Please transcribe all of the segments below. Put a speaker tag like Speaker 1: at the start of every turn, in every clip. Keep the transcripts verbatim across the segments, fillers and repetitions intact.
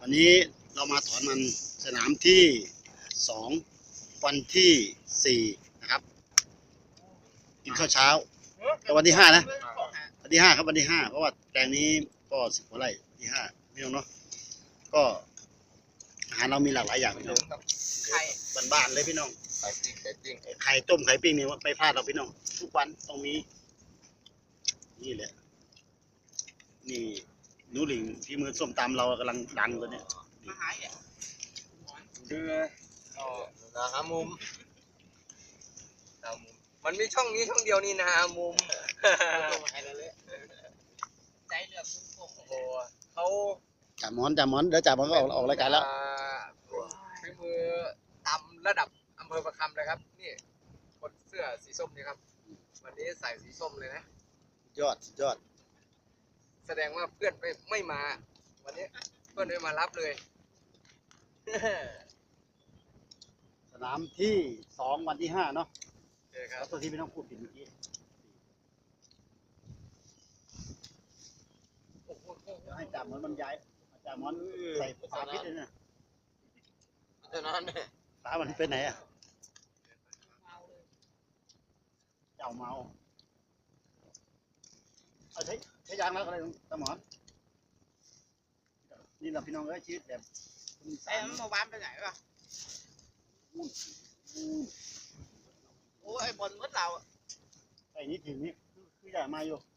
Speaker 1: วันนี้เรามาถอนมันสนามที่สองวันที่สี่นะครับกินข้าวเช้าแต่วันที่ห้านะวันที่ห้าครับวันที่ห้าเพราะว่าแปลงนี้ก็สิบกว่าไร่วันที่ห้าไม่ต้องเนาะก็อาหารเรามีหลากหลายอย่างพี่น้องไข่บ้านๆเลยพี่น้องไข่ปิ้งไข่ปิ้งไข่ต้มไข่ปิ้งนี่ไม่พลาดเราพี่น้องทุกวันต้องมีนี่แหละนี่หนูหลิงที่มือส้มตำเรากำลังดังตัวเนี้ยมาหาย
Speaker 2: คือนะฮะมุมมันมีช่องนี้ช่องเดียวนี่นะฮะมุมใจเลือกโอ้โหเขา
Speaker 1: จ่ามอนจ่ามอนเดี๋ยวจ่ามอนก็ออกออกรายการแล้ว
Speaker 2: ฝีมือตำระดับอำเภอประคำเลยครับนี่คนเสื้อสีส้มนี่ครับวันนี้ใส่สีส้มเลยนะ
Speaker 1: ยอดยอด
Speaker 2: แสดงว่าเพื่อนไม่ไม่มาวันนี้เพื่อนไม่มารับเลย
Speaker 1: สนามที่สองวันที่ห้าเนาะ
Speaker 2: ใช่ครับ
Speaker 1: ตัวที่ไม่ต้องพูดผิดเมื่อกี้ให้จ่ามอนมันย้ายจ่ามอนใส่สารพิษเลยนะ
Speaker 2: เท่านั้นเนี่ย
Speaker 1: สารมันเป็นไหนอ่ะเจ้าเมาเอาใช้ใช้ยางแล้วอะไรตะหมอนนี่เราพี่น้องก็ชีวิตแบบ
Speaker 2: ไอ้มันมาบ้านไปไหนวะโอ้ไอ้บอลมัดเรา
Speaker 1: ไอ้นี่ถึงนี่คือใหญ่มาอยู่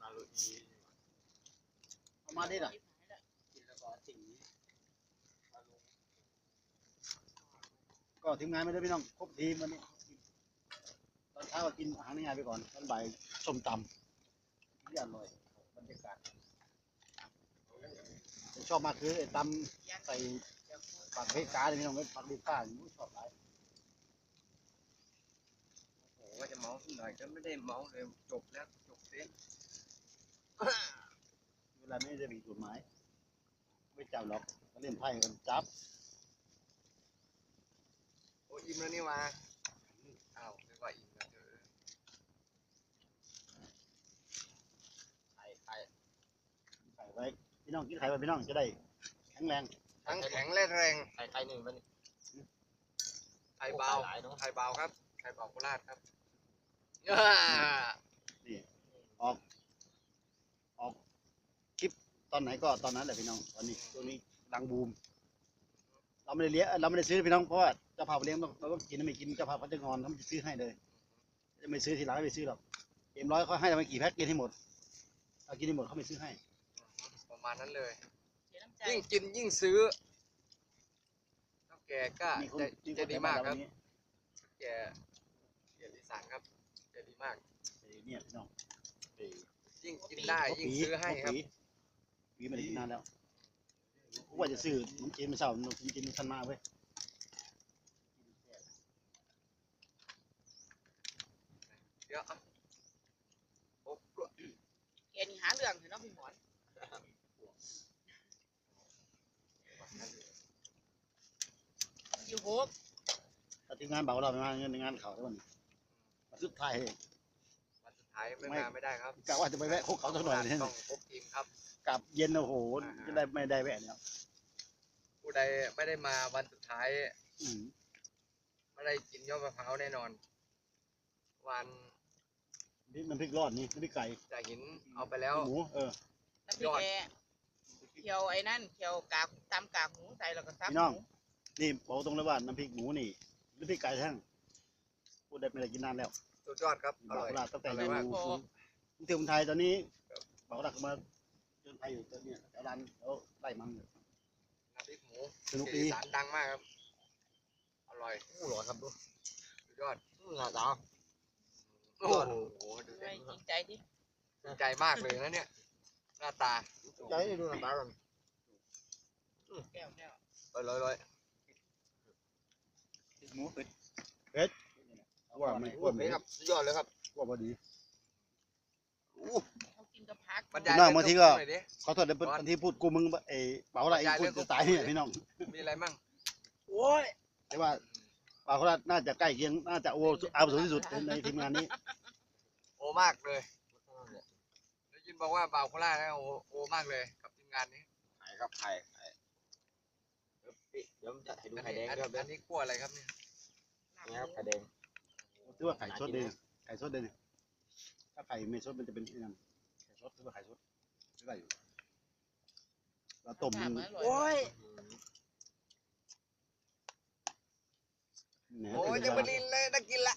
Speaker 1: เอามาได้หรอก็ทีมงานไม่ได้พี่น้องครบทีมวันนี้ตอนเช้าก็กินอาหารง่ายไปก่อนตอนบ่ายส้มตำที่อร่อยบรรยากาศชอบมากคือไอ้ตำใส่ผักเพกาเลยพี่น้องผักดีข้าอยู่ชอบหลาย
Speaker 2: โอ้ว่าจะเมาหน่อยก็ไม่ได้เมาเลยจบแล้วจบเสีย
Speaker 1: เวลาไม่ได้มีกฎหมายไม่จับหรอกเล่นไพ่กันจับ
Speaker 2: โอ้อิ่มแล้วนี่มาอ้าวไม่ว่าอิ่มแล้วเจอ
Speaker 1: ไข่ไข่ไข่ไว้พี่น้องกินไข่ไว้พี่น้องจะได้แข็งแรง
Speaker 2: ทั้งแข็งและแรง
Speaker 1: ไข่ไข่หนึ่งมัน
Speaker 2: ไข่เบาไข่เบาครับไข่เบาโคราชครับ
Speaker 1: นี่ออกออกคลิปตอนไหนก็ตอนนั้นแหละพี่น้องตอนนี้ตัวนี้ดังบูมเราไม่ได้เลี้ยงเราไม่ได้ซื้อพี่น้องเพราะว่าเจ้าภาพเลี้ยงต้องเราต้องกินไม่กินเจ้าภาพเขาจะงอนเขาจะซื้อให้เลยจะไม่ซื้อทีหลังไม่ซื้อหรอกเอ็มร้อยเขาให้เราไปกี่แพ็คกินให้หมดเรากินให้หมดเขาไม่ซื้อให้
Speaker 2: ประมาณนั้นเลยยิ่งกินยิ่งซื้อเท่าแก่ก็จะจะดีมากครับแก่แก่ดีสานครับจะดีมาก
Speaker 1: เนี่ยพี่น้อง
Speaker 2: ยิ่งกินได้ยิ่งซื้อให้ครับ
Speaker 1: ปีไม่ได้กินนานแล้วว่าจะซื้อน้ำจีนมาเช่าน้ำจีนทันมาเว้ย
Speaker 2: เดี๋ยวโอ้
Speaker 3: แกนี่หาเรื่องเถอะน้องพี่หมอนอยู่หก
Speaker 1: แต่ทีมงานเบาเราไม่มาเงินงานเขาทุกวันสุดท้ายเอง
Speaker 2: วันสุดท้ายไม่มาไม่ได้ครับ
Speaker 1: กะว่าจะไปแวะคุกเขาสักหน่อย
Speaker 2: ต้องครบทีมครับ
Speaker 1: กลับเย็นโอ้โหจะได้ไม่ได้แวะเนี่ย
Speaker 2: ผู้ใดไม่ได้มาวันสุดท้ายไม่ได้กินยอดมะพร้าวแน่นอนวัน
Speaker 1: นี่มันพริกรอดนี่พริกไก่
Speaker 2: จากหินเอาไปแล้ว
Speaker 1: หมูเออ
Speaker 3: น้ำพริกแกเคี่ยวไอ้นั่นเคี่ยวกากตำกากหมูใส่แล้วก็ซับ
Speaker 1: พี่น้องนี่บอกตรงเลยว่าน้ำพริกหมูนี่น้ำพริกไก่แท่งพูดได้ไม่ได้กินนานแล้ว
Speaker 2: สุดยอดครับอร่อย
Speaker 1: ตั้งแต่อยู่กรุงเทพไทยตอนนี้บอกรักมาจนไทยอยู่ตอนนี้แถวร้านแล้วไล่มัน
Speaker 2: น้ำพริกหมู
Speaker 1: สนุกดี
Speaker 2: สารดังมากครับอร่อย
Speaker 1: อร่อยครับดู
Speaker 2: สุดยอด
Speaker 1: หน้าตา
Speaker 2: โอ้โหดู
Speaker 3: จริงใจดิ
Speaker 2: จริงใจมากเลยนะเนี่ยหน้าตา
Speaker 1: ใจดูหน้าตากัน
Speaker 3: แก้วแก้ว
Speaker 2: ลอยลอย
Speaker 1: หมูเป็ดเป็ดว่าไม่ว่าไม่
Speaker 2: ครับสุดยอดเลยครับ
Speaker 1: ว่าพอดี
Speaker 3: เขากินกับพัก
Speaker 1: พี่น้องบางทีก็เขาถอดบางทีพูดกูมึงเอ๋เป๋าอะไรพูดจะตายเนี่ยพี่น้อง
Speaker 2: มีอะไรมั่ง
Speaker 1: โอ้ยแต่ว่าป่าโคราชน่าจะใกล้เคียงน่าจะโออาวุโสที่สุดในทีมงานนี้
Speaker 2: โอมากเลยได้ยินบอกว่าบ่าวโคราชนะโอโอมากเลยกับทีมงานนี้
Speaker 1: ใครครับใคร
Speaker 4: เดี๋ยวผมจะให้ดู
Speaker 2: อัน
Speaker 4: ไข่
Speaker 2: นี้
Speaker 4: แดง
Speaker 2: อัน
Speaker 4: ด้วยครับ
Speaker 2: อันนี้คั่วอะไรครับเนี่ย
Speaker 4: นี่ครับไข่แดง
Speaker 1: ถือว่าไข่สดเลยนะไข่สดเลยเนี่ยถ้าไข่ไม่สดมันจะเป็นไอ้นั่นไข่สดถือว่าไข่สดไม่ได้อยู่เราต้มมัน
Speaker 3: โอ้ย
Speaker 1: เนี่ย
Speaker 2: โอ้ยจะมาลินเลยน่ากินละ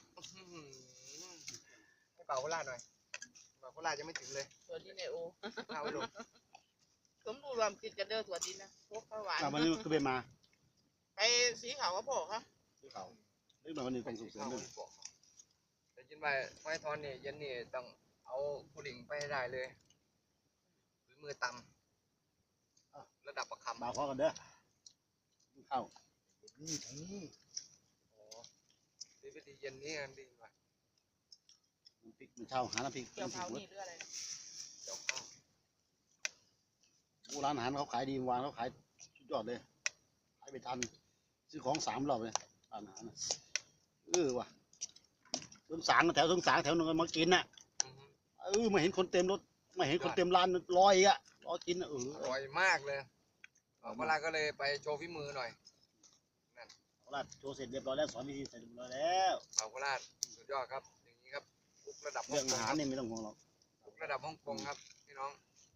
Speaker 2: ให้เป่าโคราชหน่อยเป่าโคราชยังไม่ถึงเลย
Speaker 3: ตัวดินไอโอ
Speaker 2: เอาไปลง
Speaker 3: ผมดูรวมกินกันเด้อตัวดินนะพวกข้าวหวาน
Speaker 1: อ่ะวันนี้ก็ไปมา
Speaker 3: ไปสีขาวก็พอครับ
Speaker 1: ที่เขาเรื่องวันนี้ต้องส่งเสริมด้วย
Speaker 2: แต่จินไปไม้ทอนนี่เย็นนี่ต้องเอาผู้หญิงไปให้ได้เลยฝีมือตำระดับประคำ
Speaker 1: บ่าวขอกันเด้อเข้านี่นี่
Speaker 2: โอ้ดีวิธีเย็นนี้กันดีกว่า
Speaker 1: น้ำพริกมันเช่าหาน้ำพริก
Speaker 3: เกี่ยว
Speaker 1: น้ำพริ
Speaker 3: เผาก
Speaker 1: หมด
Speaker 3: นี่หรืออะไรนะ
Speaker 2: เดี๋ยวข้าว
Speaker 1: โอ้ร้านอาหารเขาขายดีวางเขาขายสุดยอดเลยขายไปทันซื้อของสามรอบเลยร้านอาหารน่ะเออว่ะสงสารแถวสงสารแถวนึงมากินน่ะ
Speaker 2: อือฮึ
Speaker 1: เออไม่เห็นคนเต็มรถไม่เห็นคนเต็มร้านรอยอ่ะรอกินอ่ะเออ
Speaker 2: อร่อยมากเลยเอาเวลาก็เลยไปโชว์ฝีมือหน่อย
Speaker 1: ราดโชว์เสร็จเรียบร้อยแล้วสอนวิธีเสร็จเรียบร้อยแล้ว
Speaker 2: เป่าโคราชสุดยอดครับอย่างนี้ครับคุกระดับฮ่
Speaker 1: เรื่
Speaker 2: อ
Speaker 1: อง ง
Speaker 2: ก
Speaker 1: อาง หาร
Speaker 2: ครับ
Speaker 1: นี่ไม่ต้องห่วงหรอก
Speaker 2: คุกระดับฮ่องกงครับพี่น้อง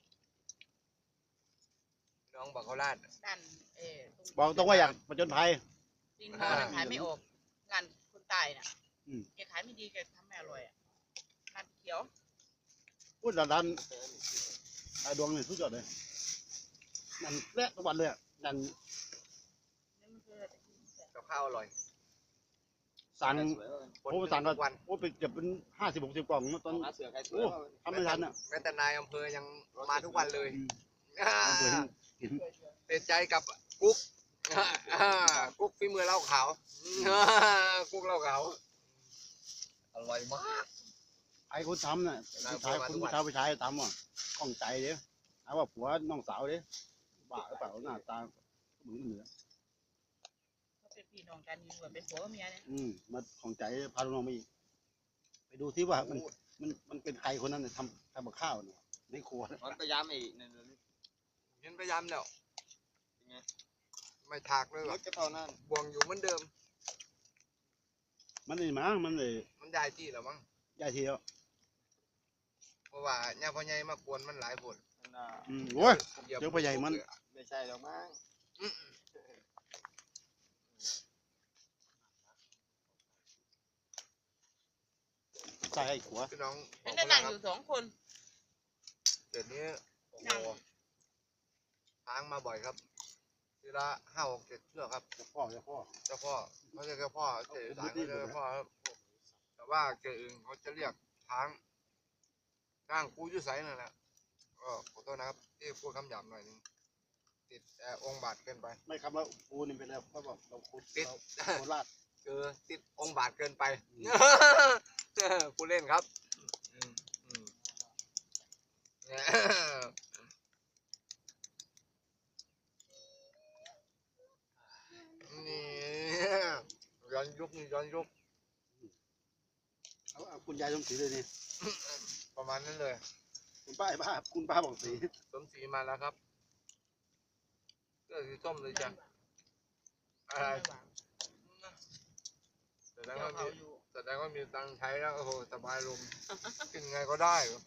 Speaker 2: พี่น้องบอกโคราช
Speaker 3: ด้านเออ
Speaker 1: บอกตรงว่าอยากประจนภัย
Speaker 3: ดินมอนะขายไม่ออกงานคนตายน่ะ
Speaker 1: อืม
Speaker 3: แกขายไม่ดีแกทำไม่อร่อยอ่ะงานเขียว
Speaker 1: พูดร้านร้านไอ้ดวงนี่สุดยอดเลยนั่นแรกทุกวันเลยอะนั่น
Speaker 3: นี่มันคืออะไร
Speaker 2: กับข้าวอร่อย
Speaker 1: สั่ง
Speaker 4: สวยเลย
Speaker 1: โอ้สั่ง
Speaker 2: ทุ
Speaker 1: ก็
Speaker 2: กวัน
Speaker 1: โอ้ไปเก็บเป็นห้าสิบหกสิบกล่องเมื่อตอน
Speaker 4: หาเสือไข่สวย
Speaker 1: โอ้ทำไม่ทันอ่ะ
Speaker 2: แม้แต่นายอำเภอยังมาทุกวันเลย
Speaker 1: อืม
Speaker 2: อ่า
Speaker 1: เอาไปให้กิน
Speaker 2: ติดใจกับกุ๊กอ่ากุ๊กฝีมือเหล้าขาวอ่ากุ๊กเหล้าขาวอร่อยมาก
Speaker 1: ไอ้คนทำน่ะผู้ชายคนผู้ชายผู้ชายทำอ่ะข้องใจเด้หาว่าผัวน้องสาวเด้บ้าหรือเปล่าหน้าตาเหมือนเหนือ
Speaker 3: เขาเป็นพี่น้องกันอยู่เหมือนเป็นผัวกับเมียเนี่ย
Speaker 1: อืมมาข้องใจพาลูกน้องไปอีกไปดูที่ว่ามันมันมันเป็นใครคนนั้นน่ะทำทำกับข้าวเนี่ยในครัวน่ะ
Speaker 4: มันพยายามไอ้นั่นเลย
Speaker 2: เห็นพยายามแล้ว
Speaker 4: เป็นไง
Speaker 2: ไม่ถากเลย
Speaker 4: ร
Speaker 2: ว่ะ
Speaker 4: ถก็เท่านั้น
Speaker 2: บวงอยู่เหมือนเดิม
Speaker 1: มันนี่มั้งมันเลย
Speaker 2: มันย้ายที่แล้วมั้ง
Speaker 1: ย้ายทีแล้ว
Speaker 2: เพราะว่าย่าพ่อใหญ่มากวนมันหลายผล
Speaker 4: นั่นน่ะ
Speaker 1: อืมโอ้ย
Speaker 2: หยีบ
Speaker 1: เจ้าพ่อใหญ่มัน
Speaker 4: ไม่ใช่หรอกมั้ง
Speaker 2: อืม
Speaker 1: ใส่ให้ขัว
Speaker 2: พี่น้อง
Speaker 3: เป็นได้นั่งอยู่สองคน
Speaker 2: เดี๋ยวนี้โอ้โห
Speaker 3: นั่ง
Speaker 2: ทางมาบ่อยครับทีละห้าหกเจ็ดเชือกครับ
Speaker 1: เจ้าพ่อเจ้าพ่อ
Speaker 2: เจ้าพ่อเขาเรียกเจ้าพ่อเจ้าสายเขาเรียกเจ้าพ่อครับแต่ว่าเกอื่นเขาจะเรียกช้างช้างกูอยุ่ใสนั่นแหละก็ขอโทษนะครับที่พูดคำหยาบหน่อยหนึงติดเอ่อองค์บาทเกินไป
Speaker 1: ไม่คำว่าปูนี่เป็นแล้วเขาบอกเราคุด
Speaker 2: ติด
Speaker 1: เราโคราช
Speaker 2: เออติดองค์บาทเกินไปพูดเล่นครับอืมอืมนี่ย้อนยุคนี่ย้อนยุค
Speaker 1: เอาเอาคุณยายสมศรีเลยนี่
Speaker 2: ประมาณนั้นเลย
Speaker 1: คุณป้าไอ้ป้าคุณป้าบอกสี
Speaker 2: สมศรีมาแล้วครับเสื้อสีส้มเลยจ้ะอะไรแสดง
Speaker 3: เกี่ยว
Speaker 2: ว่า
Speaker 3: เผา
Speaker 2: มี
Speaker 3: อยู่
Speaker 2: แสดงว่ามีตังค์ใช้แล้วโอ้โหสบายลมกินไงก็ได้เหรอ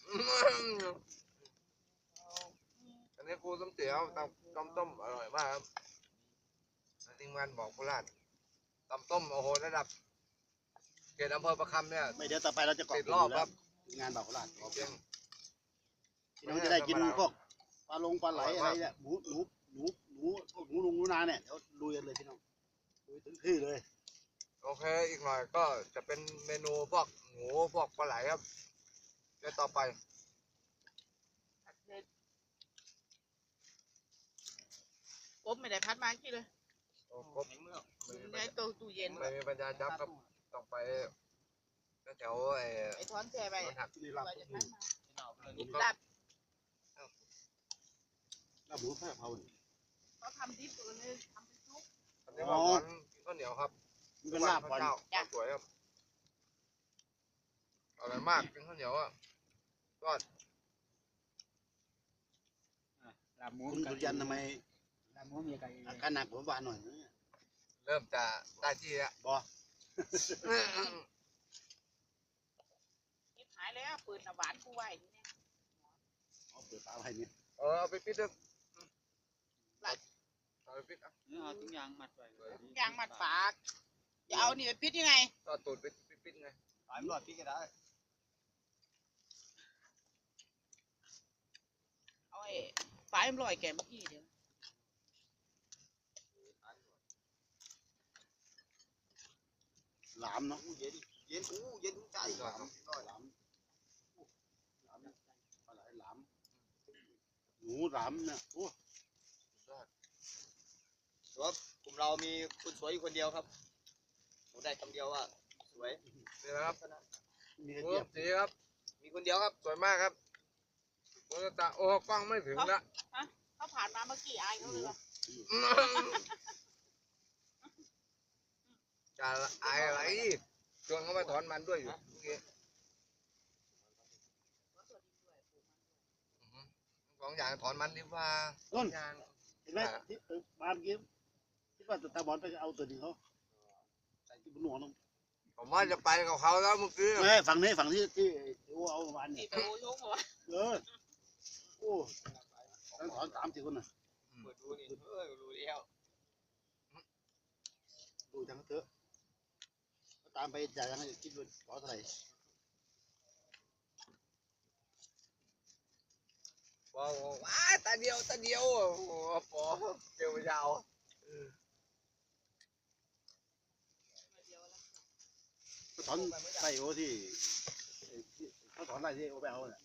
Speaker 2: อันนี้ครูสมศรีเอาตำต้มต้มอร่อยมากครับทีมงานบอกโคราชตำต้มโอ้โหระดับเขตอำเภอประคำเนี่ย
Speaker 1: ไม่เดี๋ยวต่อไปเราจะเกาะ
Speaker 2: ติดรอบครับ
Speaker 1: งานบ่าวโคราช
Speaker 2: จริง
Speaker 1: พี่น้องจะได้กินพวกปลาลงปลาไหลอะไรเนี่ยหมูหนูหนูหนูพวกหนูลุงหนูนาเนี่ยเดี๋ยวลุยกันเลยพี่น้องลุยถึงที่เลย
Speaker 2: โอเคอีกหน่อยก็จะเป็นเมนูพวกหมูพวกปลาไหลครับเดี๋ยวต่อไป
Speaker 3: ผัดเผ็ดกบไม่ได้พัดมากี่เลย
Speaker 2: โอ้ครบ
Speaker 4: ในเมือง
Speaker 2: ไม่มี
Speaker 3: ในตู้ตู้เย็น
Speaker 2: ไม่มีปัญญาจับครับต้องไปแถวไอ้
Speaker 3: ไอ้ท้อนแช่ไป
Speaker 2: รถหัก
Speaker 1: นี่ลาบ
Speaker 3: ว่าจะพัดมา
Speaker 4: ที่นอกเลย
Speaker 2: นี่
Speaker 3: ลาบ
Speaker 1: ลาบหมูแพะเผาเนี่ย
Speaker 3: เขาทำดิบตัวนี้ทำเป็นซุป
Speaker 2: อันนี้ว่าหวานข้าวเหนียวครับ
Speaker 1: มันเป็นลาบ
Speaker 2: ข้าว
Speaker 1: ก่อน
Speaker 2: เจ้าข้าวสวยครับอร่อยมากกินข้าวเหนียวอ่ะก็
Speaker 4: ลาบหมู
Speaker 1: คุณสุริยันทำไม
Speaker 4: ตามหัวเมียไก่
Speaker 1: อาการหนักผมหวานหน่อยนะเนี่ย
Speaker 2: เริ่มจะได้ที่แล้ว
Speaker 1: บอ
Speaker 3: คิดหายแล้วปืนน่ะหวานกูไว้นี่เนี่ย
Speaker 1: เอาเปิดฝาไว้เนี่ย
Speaker 2: เออเอาไปปิดเถอะเอาไปปิดอ่ะ
Speaker 4: เอาทุกอย่างมัดไว้
Speaker 3: ยางมัดปากจะเอานี่ไปปิดยังไง
Speaker 2: ก็ตูดไปปิดไง
Speaker 4: หายหลอดพี่ก็ได้
Speaker 3: เอาไอ้ฝายมันลอยแกเมื่อกี้เดี๋ยว
Speaker 1: หลามเนาะ
Speaker 4: เย็นเย็นอู้เย็นใจ
Speaker 1: หลามหลามหลามปลาไหลหลามหนูหลามเนี่ยโอ้
Speaker 4: แต่ว่ากลุ่มเรามีคนสวยอยู่คนเดียวครับผมได้คำเดียวว่าสวย
Speaker 2: นี่นะครับ
Speaker 1: มีกระ
Speaker 2: โอ้
Speaker 1: เจี๊ยบ
Speaker 2: สีครับ
Speaker 4: มีคนเดียวครับ
Speaker 2: สวยมากครับโอ้ตาโอ้กล้องไม่ถึงละ
Speaker 3: เขาผ่านมาเมื่อกี้อายเขาเลยว่ะ
Speaker 2: จะอายอะไรชวนเขามาถอนมันด้วยอยู่เมื่อกี้อือหือสองอย่างถอนมันดีกว่า
Speaker 1: ต้น
Speaker 2: อย่าง
Speaker 1: เห็นไหมที่เออมาเมื่อกี้คิดว่าตาบอลไปเอาตัวหนึ่งเขาใส่ที่บนหัวน้อง
Speaker 2: ผมว่าจะไปกับเขาแล้วเมื่อกี้
Speaker 1: ไม่ฝั่งนี้ฝั่งที่ที่โอ้เอามา
Speaker 3: นี่
Speaker 1: เนี่ย
Speaker 3: ไปโอ้ยงเหรอวะ
Speaker 1: เออโอ้ตั้งถอนสามสี่คนน่ะ
Speaker 4: เปิดดูนี่เออรู้แล้ว
Speaker 1: ดูจังเถอะตามไปจ่ายยังไงคิดว่าขอเท่าไหร่
Speaker 2: บอกว้าตาเดียวตาเดียวโอ้โหปอเดียวยาว
Speaker 1: เขาถอนไส้โอที่ที่เขาถอนไส้ที่โอไปเอาเนี่ย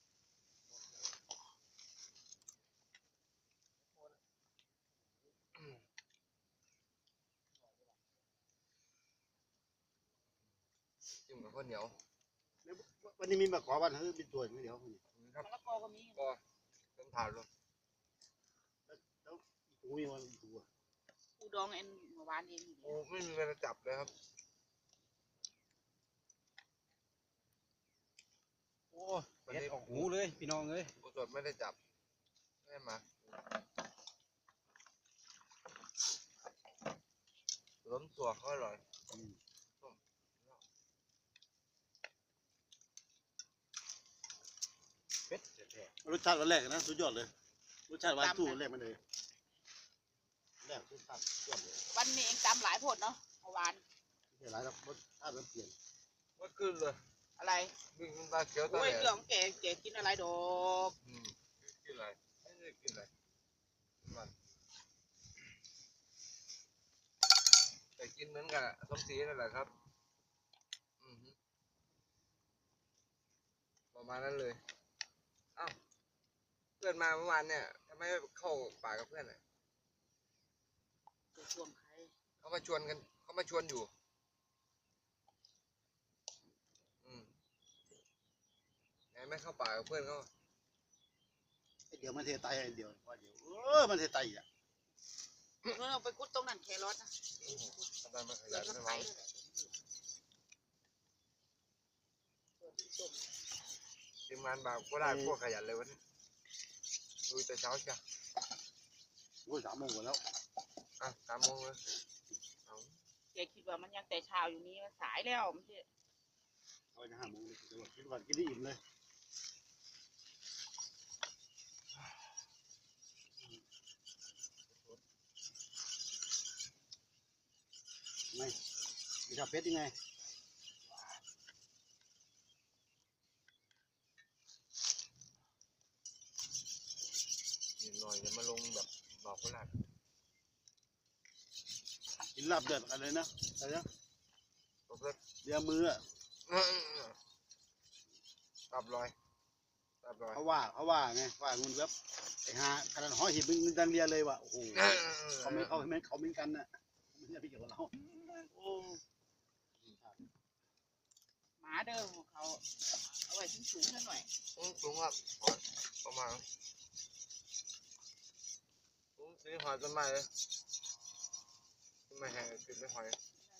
Speaker 2: จิ้มกับข้าวเหนียว
Speaker 1: วันนี้มีมาขอวันเฮ้ยเป็นตัวอย่างเดียว
Speaker 2: ครับ
Speaker 3: มะละกอก็มี
Speaker 2: ก็เป็นถาดเลย
Speaker 1: กูมีวันตัว
Speaker 3: กูดองเอ็นเมื่อวานเองอยู่
Speaker 2: โอ้ไม่มีเวลาจับเลยครับ
Speaker 1: โอ้
Speaker 2: วันนี้
Speaker 4: ออกหูเลยพี่น้องเลย
Speaker 2: กูสดไม่ได้จับไม่ได้มาล้มตัวเขาอร่อย
Speaker 4: เป็ดแท้
Speaker 1: รสชาติวันแรกนะสุดยอดเลยรสชาติวันตู้แรกมันเลยแรกรสชาติยอดเลย
Speaker 3: วันนี้เองตำหลายผลเนาะเมื่อวาน
Speaker 1: ไม่หลายแล้วรสชาติมันเปลี่ยน
Speaker 2: ไม่ขึ้นเลย
Speaker 3: อะไร
Speaker 2: วิ่งตาเขียวตา
Speaker 3: โอ้
Speaker 2: แห
Speaker 3: ย
Speaker 2: ล
Speaker 3: เรื่องแกแกกินอะไรดอก
Speaker 2: อืมกินอะไรไม่ได้กินอะไรมันแต่กินเหมือนกันอะส้มสีนั่นแหละครับอือฮึประมาณนั้นเลยอ้าวเพื่อนมาเมื่อวานเนี่ยทำไมไม่เข้าป่ากับเพื่อนอ่ะ
Speaker 3: จะชวนใคร
Speaker 2: เขามาชวนกันเขามาชวนอยู่อืมไงไม่เข้าป่ากับเพื่อนเขา
Speaker 1: ไอเดี๋ยวมันเทไตไอเดี๋ยวว่าเดี๋ยวเออมันเทไตอ่ะ
Speaker 3: เราไปกุดตรงนั้นแครอทนะ
Speaker 2: ทำไมไม่ข
Speaker 3: เกิ
Speaker 2: ยั
Speaker 3: ด
Speaker 2: น
Speaker 3: รถ
Speaker 2: ไม่
Speaker 3: ไถ
Speaker 2: วาง
Speaker 3: เลยแหละเกิดที่ส้ม
Speaker 2: ทีมงานบ่าวก็ได้พวกขยันเลยวันนี้ดูแต่เช้าจ้ะ
Speaker 1: โอ้ยสามโมงกว่าแล้ว
Speaker 2: อ่ะสามโมงเลยเอา
Speaker 3: แกคิดว่ามันยังแต่เช้าอยู่นี้มันสายแล้วมันจะ
Speaker 1: เอาไปห้าโมงเลยเดี๋ยวคิดว่ากินได้อิ่มเลยไงมีชาเพชรยังไง
Speaker 2: อีกหน่อยจะมาลงแบบบอกคนละ
Speaker 1: กินลาบเดือดอะไรนะอะไรนะ
Speaker 2: ตบเลย
Speaker 1: เลียมืออ่ะ
Speaker 2: ตับลอยตับลอย
Speaker 1: เขาว่าเขาว่าไงว่าเงินแบบไอ้หาขนาดห้อยหิบมึงดันเรียเลยว่ะโอ้โหเขาไม่เขาไม่เขาเหมือนกันน่ะไม่ใช่พี่เกี่ยวกับเราโอ้
Speaker 3: หมาเดิมของเขาเอาไว้สูงสูงๆหน่อย
Speaker 2: สูงสูงครับประมาณสูงสีหอยต้นไม้เลยต้นไม้แห้งกินไม่หอย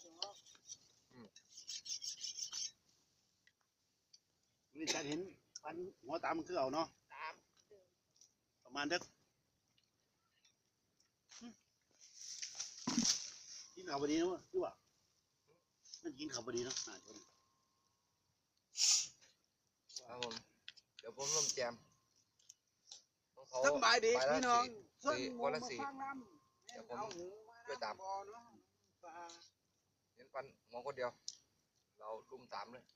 Speaker 1: นี่ฉันเห็นฟันหัวตามมันคือเอาเนาะ
Speaker 3: ตาม
Speaker 1: ประมาณเด็กกินข้าวพอดีนะวะรู้ป่ะมันกินข้าวพอดีเนาะอ่าชน
Speaker 2: ครับผมเดี๋ยวผมร่วมแจมของเขา
Speaker 5: สบายดี
Speaker 2: ไปละ
Speaker 5: พี่น้อง
Speaker 2: สี่สี่คนละสี่
Speaker 5: ฟังน้
Speaker 2: เดี๋ยว
Speaker 5: ำ
Speaker 2: ผม
Speaker 5: เอาหูมา
Speaker 2: ช่วยตาม
Speaker 5: บ่อเนาะปลา
Speaker 2: เห็นฟันมองคนเดียว เราลุมสามเลย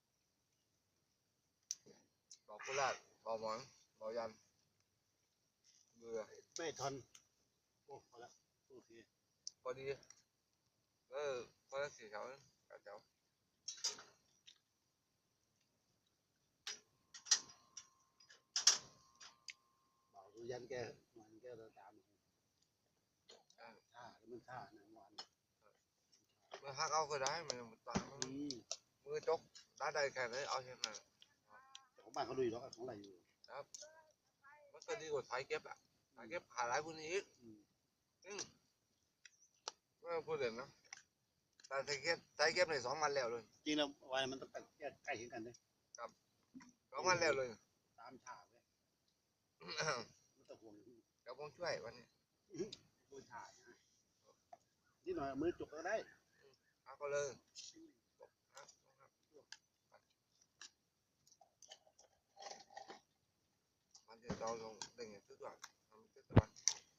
Speaker 2: บอกกุลาดบอกหมอนบอกยันเบื่อ
Speaker 1: ไม่ทนโอ้พอละโอเค
Speaker 2: พอดีเออคนละสี่แถวแถวแถว
Speaker 1: บอกดูยันแกมันแกเราตามท่าแล้วมันท่าหนังวัน
Speaker 2: เมื่อฮักเอาก็ได้มันตามมัน
Speaker 1: อืม
Speaker 2: มือจกได้ได้แค่ไหนเอาแค่นั้น
Speaker 1: แต่ของบ้านเขาดูอยู่แล้วของอะไรอยู่
Speaker 2: มันก็ดีกว่าสายเก็บอ่ะสายเก็บขาหลายพวกนี้อีก
Speaker 1: อืม
Speaker 2: อืมไม่ต้องพูดเลยนะแต่สายเก็บสายเก็บในสองวันแล้วเลย
Speaker 1: จริงแล้ววันมันต้องใกล้ใกล้ถึงกันเลย
Speaker 2: สองวันแล้วเลย
Speaker 1: ตามท่าเลยไม่ต้องห่วง
Speaker 2: เดี๋ยวผมช่วยวันนี้
Speaker 1: ดูท่านะนี่หน่อยมือจุกก็ได้
Speaker 2: เอาก็เลยมันจะเราลงได้ไงทุกวันทำทุกวัน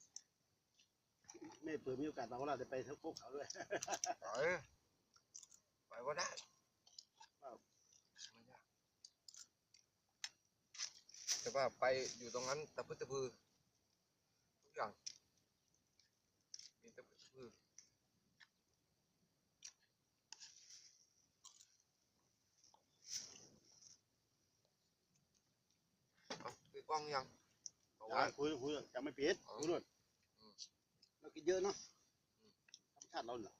Speaker 1: ไม่เผื่อมีโอกาสเราก็เราจะไปเท่าพวกเขาด้วย
Speaker 2: ไปไปว่าได้ไม่ยากแต่ว่าไปอยู่ตรงนั้นตะพื้นตะพือทุกอย่างมีตะพื้นตะพือเอาคือกล้องยังเอาไว้
Speaker 1: คุยคุยจะไม่ปิดคุยด้วยเรากินเยอะเนาะธรรมชาติเราเหรอ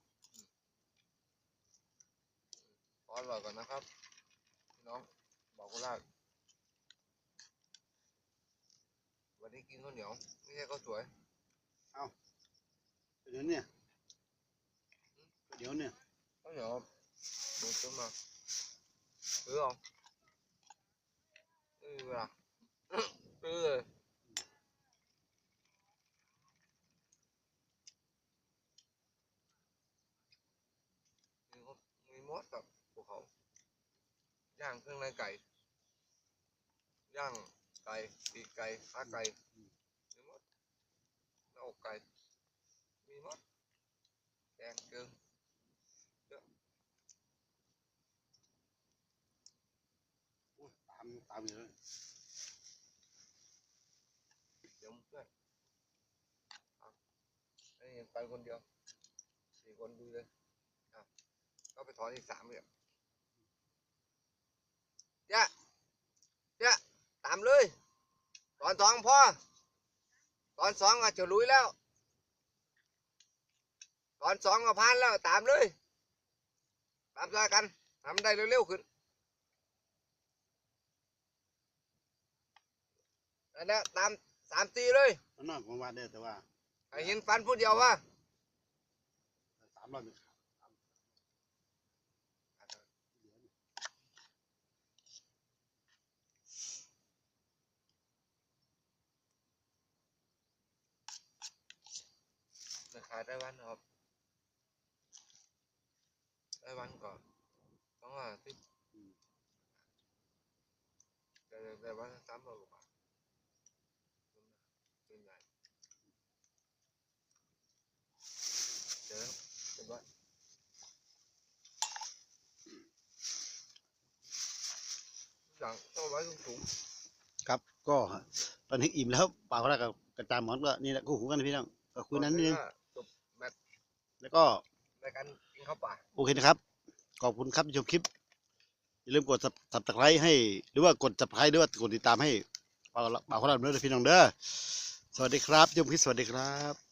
Speaker 2: ขออร่อยก่อนนะครับพี่น้องบอกกุลาดวันนี้กินข้าวเหนียวไม่ใช่ข้าวสวย
Speaker 1: เดี๋ยวเนี่ยเดี๋ยวเนี่ย
Speaker 2: ข้าวเหนียวดูซื้อมาซื้อเอาซื้อเวลาซื้อเลยมีมดมีมดกับภูเขาย่างเครื่องในไก่ย่างไก่ปีกไก่ขาไก่มีมดหน้าอกไก่มีมดแกงเกลือ
Speaker 1: ตามตามอยู่เลย
Speaker 2: เดี๋ยวมึงช่วยเอาอันนี้ไปคนเดียวสี่คนดูเลยอ่ะก็ไปถอนอีกสามเลยเจ้าเจ้าตามเลยตอนสองพอตอนสองก็จะลุยแล้วตอนสองก็ผ่านแล้วตามเลยตามใจกันทำได้เร็วๆขึ้นอันนี้ตามสามตีเลย
Speaker 1: มันนอกของวันได้แต่ว่า
Speaker 2: ให้เห็นฟันผู้เดียวว่า
Speaker 1: สามร้อยหนึ่ง
Speaker 2: จะขายได้วันครับได้วันก่อนต้องว่าที่ได้ได้วันสามร้อยกว่าบาทเป็นไงเดี๋ยวเดี๋ยวว่าอย่างต้องไว้สูง
Speaker 1: ครับก็ตอนนี้อิ่มแล้วเปล่าแล้วกับกระจายหมอนก็นี่แหละคู่หูกันนะพี่น้องก็คุยนั้นนิดนึง
Speaker 2: จบแมตช์
Speaker 1: แล้วก็
Speaker 2: รายการกินข้าวป่า
Speaker 1: โอเคนะครับขอบคุณครับที่ชมคลิปอย่าลืมกด subscribe ให้หรือว่ากด subscribe หรือว่ากดติดตามให้เปล่าเปล่าของเราด้วยนะพี่น้องเด้อสวัสดีครับชมคลิปสวัสดีครับ